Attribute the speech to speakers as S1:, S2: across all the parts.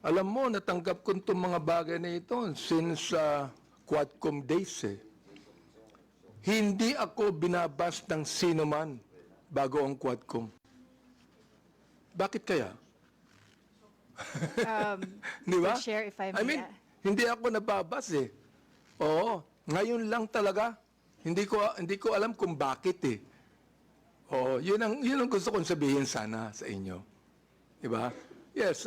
S1: Alam mo, natanggap ko itong mga bagay na ito since Quadcom days eh. Hindi ako binabas ng sino man bago ang Quadcom. Bakit kaya? Di ba?
S2: Mr. Chair, if I
S1: I
S2: may,
S1: mean, hindi ako nababas eh. Oo, ngayon lang talaga. Hindi ko alam kung bakit eh. Oo, yun ang gusto kong sabihin sana sa inyo. Di ba? Yes,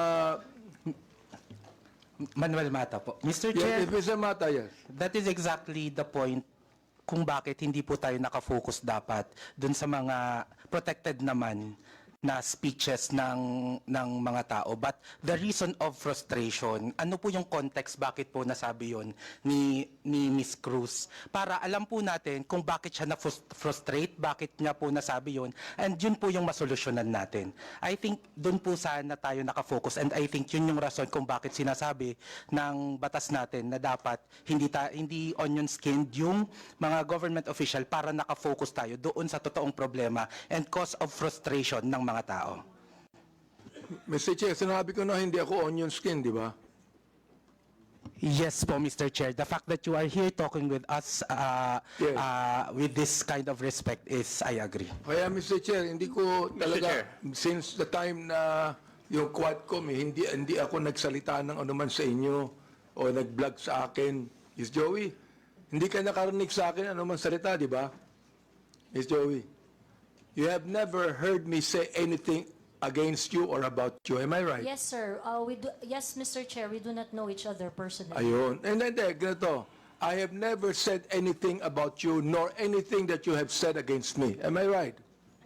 S3: Manuel Mata po. Mr.
S1: yes,
S3: Chair,
S1: if it's a matter, yes.
S3: that is exactly the point kung bakit hindi po tayo nakafocus dapat dun sa mga protected naman na speeches ng mga tao. But the reason of frustration, ano po yung context bakit po nasabi yon ni Miss Cruz? Para alam po natin kung bakit siya na-frustrate, bakit niya po nasabi yon, and yun po yung masolusyonan natin. I think dun po sana tayo nakafocus, and I think yun yung rason kung bakit sinasabi ng batas natin na dapat hindi onion skinned yung mga government official para nakafocus tayo doon sa totoong problema and cause of frustration ng mga tao.
S1: Mr. Chair, sinabi ko na hindi ako onion skin, di ba?
S3: Yes po, Mr. Chair. The fact that you are here talking with us
S1: Yes.
S3: with this kind of respect is, I agree.
S1: Kaya Mr. Chair, hindi ko talaga, since the time na yung Quadcom, hindi ako nagsalita ng anuman sa inyo o nag-vlog sa akin. Miss Joey, hindi ka nakarinig sa akin anuman salita, di ba? Miss Joey, you have never heard me say anything against you or about you. Am I right?
S4: Yes, sir. Yes, Mr. Chair, we do not know each other personally.
S1: Ayun. And then, ganito. I have never said anything about you nor anything that you have said against me. Am I right?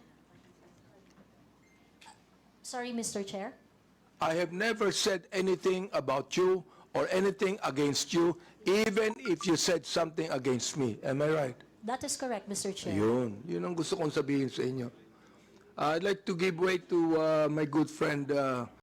S4: Sorry, Mr. Chair.
S1: I have never said anything about you or anything against you, even if you said something against me. Am I right?
S4: That is correct, Mr. Chair.
S1: Ayun. Yun ang gusto kong sabihin sa inyo. I'd like to give way to my good friend,